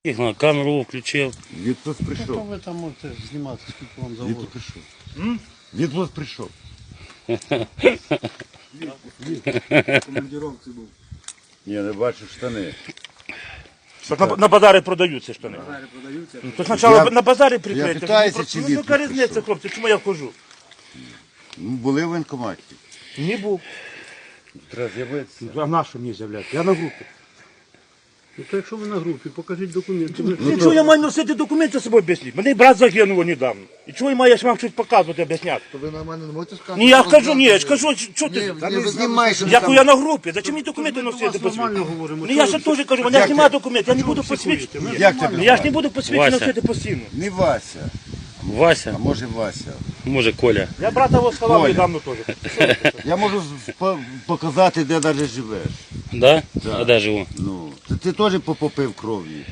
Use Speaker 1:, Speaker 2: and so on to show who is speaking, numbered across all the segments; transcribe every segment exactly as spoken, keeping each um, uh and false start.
Speaker 1: На камеру включив.
Speaker 2: Відпуск прийшов.
Speaker 3: Ви там можете знімати, скільки вам завгодно.
Speaker 2: Відпуск прийшов. Відпуск прийшов.
Speaker 4: Командировці був.
Speaker 2: Ні, не бачу штани.
Speaker 5: Так на, на базарі продаються штани.
Speaker 4: Базари продаються.
Speaker 5: То спочатку
Speaker 2: Я-
Speaker 5: на базарі
Speaker 2: я
Speaker 5: прикрити.
Speaker 2: питаюся, чи
Speaker 5: Ну,
Speaker 2: відпуск
Speaker 5: яка різниця,
Speaker 2: прийшов?
Speaker 5: хлопці, чому я вхожу?
Speaker 2: Ну, були в воєнкоматі.
Speaker 5: Не був.
Speaker 2: Треба з'явитися.
Speaker 5: А на що мені з'являти? Я на групі.
Speaker 3: Ну то якщо ви на групі, покажіть документи.
Speaker 5: Ну, чого я маю носити документи з собою об'ясніть? Мене брат загинув недавно. І чого я маю вам щось показувати, об'ясняти?
Speaker 4: То ви нормально не можете сказати?
Speaker 5: Ні, я кажу, ні, я ж кажу, що
Speaker 4: Ні,
Speaker 5: ти?
Speaker 4: ні, ви знімаєте.
Speaker 5: Як я на групі, зачем мені документи
Speaker 3: Ми до
Speaker 5: носити
Speaker 3: вас
Speaker 5: по світу?
Speaker 3: нормально говоримо.
Speaker 5: Ну я ж теж кажу, у мене ж немає документів, я не буду
Speaker 3: психуєте?
Speaker 5: посвідчити.
Speaker 2: Як тебе
Speaker 5: Ну, я ж
Speaker 2: звати?
Speaker 5: не буду посвідчити
Speaker 1: Вася.
Speaker 5: носити постійно.
Speaker 2: Не Вася, а
Speaker 1: Вася,
Speaker 2: може Вася.
Speaker 1: може Коля.
Speaker 5: Я брата його сховав
Speaker 2: Коля.
Speaker 5: недавно теж.
Speaker 2: Я можу з- по- показати, де навіть живеш.
Speaker 1: Да? А де живу?
Speaker 2: Ну, ти, ти теж попопив кров'ю.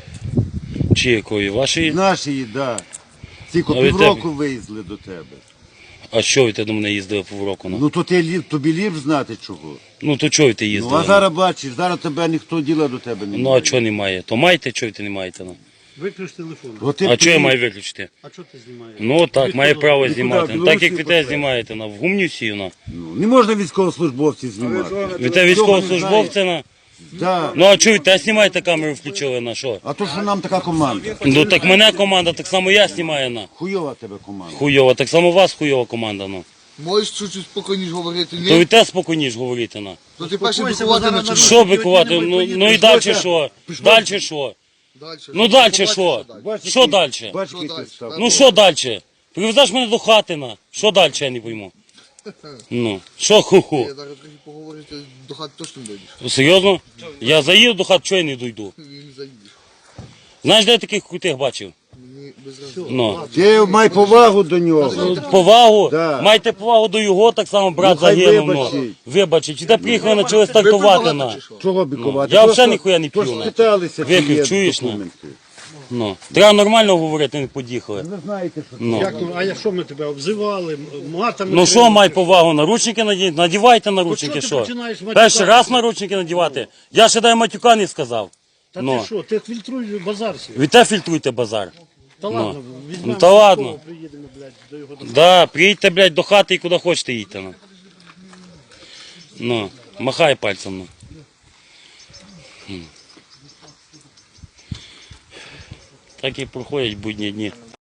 Speaker 1: Чи якої? Вашої?
Speaker 2: Наші, да. Тільки
Speaker 1: А від
Speaker 2: півроку виїзли до тебе.
Speaker 1: А що ви ти до мене їздили півроку? Ну,
Speaker 2: Ну то ти, ліп- тобі ліп знати чого.
Speaker 1: ну то чого ви ти
Speaker 2: Ну
Speaker 1: їздили?
Speaker 2: а зараз бачиш, зараз тебе ніхто діла до тебе не
Speaker 1: Ну а
Speaker 2: має.
Speaker 1: чого немає? То маєте, чого ти не маєте? Ну?
Speaker 3: Виключ телефон.
Speaker 2: От ти
Speaker 1: А чого я
Speaker 2: приїдь-
Speaker 1: маю виключити?
Speaker 3: А що ти знімаєш?
Speaker 1: Ну так,
Speaker 3: Від
Speaker 1: має
Speaker 3: кого?
Speaker 1: право
Speaker 2: Від
Speaker 1: знімати.
Speaker 2: куди?
Speaker 1: Ну, так як
Speaker 2: Білорусі
Speaker 1: ви те
Speaker 2: потрібно.
Speaker 1: знімаєте, на в гумню сію, на.
Speaker 2: Ну, не можна військовослужбовців знімати.
Speaker 1: Ви те військовослужбовця на.
Speaker 2: Да.
Speaker 1: Ну а чого ви те знімаєте, камеру включили на що?
Speaker 2: А то, що нам така команда.
Speaker 1: Ну так мене команда, так само я знімаю на.
Speaker 2: Хуйова тебе команда.
Speaker 1: Хуйова, так само у вас хуйова команда, ну.
Speaker 4: Можеш чуть-чуть спокійніше говорити,
Speaker 1: То ви
Speaker 4: ні?
Speaker 1: те спокійніше говорите, на.
Speaker 4: То ти перше
Speaker 3: Успокойся,
Speaker 4: бикувати
Speaker 3: бо зараз
Speaker 4: починаєш.
Speaker 1: Що бикувати? Ну, ну і далі що? Далі що?
Speaker 4: Далі.
Speaker 1: Ну далі що?
Speaker 2: Бачиш,
Speaker 1: Що
Speaker 2: який-
Speaker 1: далі?
Speaker 2: Бачиш,
Speaker 4: Що
Speaker 2: який
Speaker 4: далі?
Speaker 2: ти став.
Speaker 1: Ну що далі? Привезеш мене до хати на. Що далі, я не пойму. Ну, що ху-ху?
Speaker 4: Я зараз трохи поговорити, до хати точно не дойдеш.
Speaker 1: Серйозно? Я заїду до хати, чого я не дойду?
Speaker 4: Він не заїдеш.
Speaker 1: Знаєш, де я таких крутих бачив?
Speaker 4: Мені без разу.
Speaker 1: Ну.
Speaker 2: Ти май повагу до нього.
Speaker 1: Повагу,
Speaker 2: Да.
Speaker 1: майте повагу до його, так само брат
Speaker 2: Ну, хай
Speaker 1: загинув. Ну.
Speaker 2: вибачить.
Speaker 1: Вибачить. Де приїхали, почали стартувати
Speaker 4: Ви
Speaker 1: на.
Speaker 4: пивоварите чи що?
Speaker 2: Чого бікувати?
Speaker 1: Я
Speaker 2: Просто-
Speaker 1: взагалі ніхуя не
Speaker 2: то ж
Speaker 1: п'ю, на.
Speaker 2: спиталися, чи
Speaker 1: Випив,
Speaker 2: є
Speaker 1: чуєш, на?
Speaker 2: документи.
Speaker 1: Ну. Треба нормально говорити, не подіхали.
Speaker 2: Ви знаєте, що
Speaker 1: Ну.
Speaker 3: Як, а я що ми тебе обзивали? Матами?
Speaker 1: Ну що, май повагу, наручники надіть, надівайте наручники,
Speaker 3: Ну, що ти
Speaker 1: що?
Speaker 3: починаєш матюкати?
Speaker 1: Перший раз наручники надівати. Я ще дай матюка не сказав.
Speaker 3: Та
Speaker 1: Ну.
Speaker 3: ти що, ти фільтруй базар свій.
Speaker 1: Ви те фільтруйте базар.
Speaker 3: Та ладно, візьмемо
Speaker 1: Ну, та ладно.
Speaker 3: Сокола, приїдемо, блядь, до його дому.
Speaker 1: Да, приїдьте, блядь, до хати і куди хочете їдьте. Ну, ну махай пальцем. Ну. М. Так і проходять будні дні.